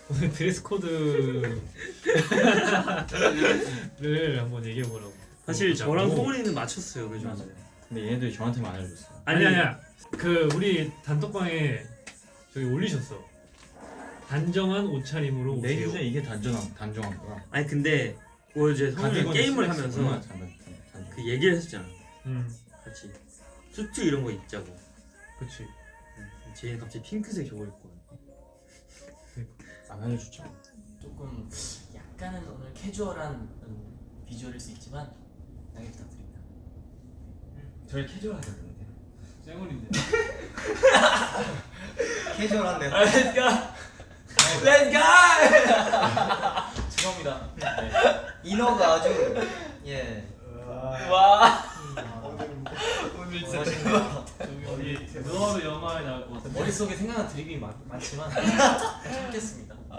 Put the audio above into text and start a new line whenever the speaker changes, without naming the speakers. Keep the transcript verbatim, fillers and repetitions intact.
오늘 드레스 코드를 한번 얘기해 보라고.
사실 저랑 뽕은이는 맞췄어요, 그죠?
맞아요. 근데 얘네들이 저한테만 안 알려줬어요.
아니 아니야. 그 우리 단톡방에 저기 올리셨어. 단정한 옷차림으로
내
오세요.
주제 이게 단정한 단정한 거야.
아니 근데 어제 성훈이 게임을 하면서 그 얘기를 했었잖아.
음,
같이 수트 이런 거 입자고.
그렇지.
제이는 갑자기 핑크색 저거 입고.
안 알려줬죠.
조금 약간은 오늘 캐주얼한 음, 비주얼일 수 있지만 양해 부탁드립니다.
저희 캐주얼하게 되는데.
쌩얼인데.
캐주얼한데요.
Let's go! Let's go! 죄송합니다. 네.
인어가 아주 예.
와.
오늘
진짜
어디 대도하루 영화에 나올 것 같아.
머릿속에 생각나는 드립이 많, 많지만 참겠습니다.